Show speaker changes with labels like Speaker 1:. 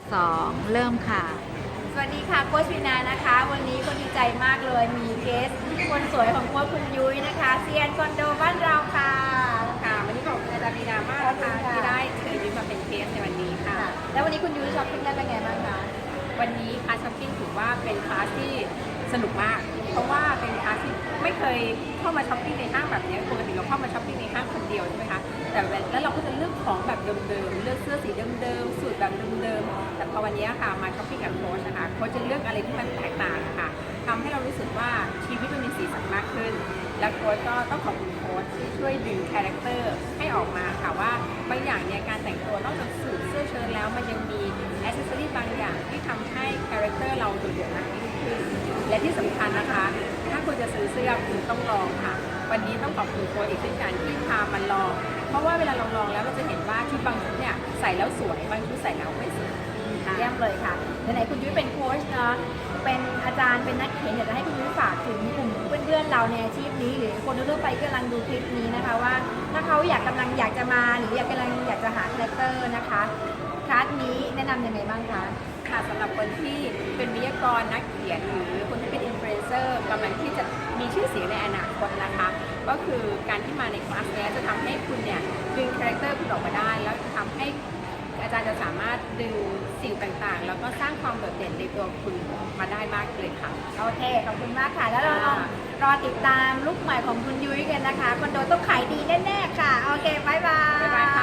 Speaker 1: 2 เริ่มค่ะ
Speaker 2: สวัสดีค่ะโค้ชวินานะคะวันนี้ก็ดีใจมากเลยมีเกสคนสวยของโค้ชคุณยุ้ยนะคะเซียนคอนโดบ้านเราค่ะ
Speaker 3: วันนี้ขอบคุณอาจารย์ลีนามากนะคะที่ได้เชิญยุ้ยมาเป็นเกสในวันนี้ค่ะ
Speaker 2: แล้ววันนี้คุณยุ้ยช้อปปิ้งได้เป็นไงบ้างคะ
Speaker 3: วันนี้คลาสช้อปปิ้งถือว่าเป็นคลาสที่สนุกมาก เพราะว่าเป็นคลาสที่ไม่เคยเข้ามาช้อปปิ้งในห้างแบบนี้ปกติเราเข้ามาช้อปปิ้งในห้างคนเดียวใช่ไหมคะแต่แล้วเราก็จะเลือกของแบบเดิมๆเลือกเสื้อสีเดิมๆสูตรแบบเดิมๆแต่พอวันนี้ค่ะมาช้อปปิ้งกับโค้ชนะคะโค้ชจะเลือกอะไรที่มันแตกต่างค่ะทำให้เรารู้สึกว่าชีวิตมันมีสีสันมากขึ้นและโค้ชก็ต้องขอบคุณโค้ชที่ช่วยดึงคาแรคเตอร์ให้ออกมาค่ะว่าบางอย่างเนี่ยการแต่งตัวนอกจากสูทเสื้อเชิ้ตแล้วมันยังมีแอคเซสซอรี่บางอย่างที่ทำให้คาแรคเตอร์เราโดดเด่นมากยิ่งขึ้นและที่สำคัญนะคะถ้าคุณจะซื้อเสื้อคุณต้องลองค่ะวันนี้ต้องขอบคุณโค้ชอีกเช่นกันที่พามันลองเพราะว่าเวลาเราลองแล้วเราจะเห็นว่าชุดบางชุดเนี่ยใส่แล้วสวยบางชุดใส่แล้วไม่สวย
Speaker 2: เยี่ยมเลยค่ะไหนๆคุณยุ้ยเป็นโค้ชเนาะเป็นอาจารย์เป็นนักเขียนอยากจะให้คุณยุ้ยฝากถึงกลุ่มเพื่อนๆเราในอาชีพนี้หรือคนทั่วไปกำลังดูคลิปนี้นะคะว่าถ้าเขากำลังอยากจะมาหรืออยากจะหาคาแรคเตอร์นะคะคลาสนี้แนะนำยังไงบ้างคะ
Speaker 3: ค่ะสำหรับคนที่เป็นวิทยากรนักเขียนหรือคนที่เป็นอินฟลูเอนเซอร์กำลังที่จะมีชื่อเสียงในอนาคตนะคะก็คือการที่มาในคลาสนี้จะทำให้คุณเนี่ยดึงคาแรคเตอร์คุณออกมาได้แล้วจะทำให้อาจารย์จะสามารถดึงสิ่งต่างๆแล้วก็สร้างความโดดเด่นในตัวคุณมาได้มากเลยค่ะ
Speaker 2: โอเคขอบคุณมากค่ะแล้วเรารอติดตามลุคใหม่ของคุณยุ้ยกันนะคะคอนโดต้องขายดีแน่ๆค่ะโอเคบ๊ายบาย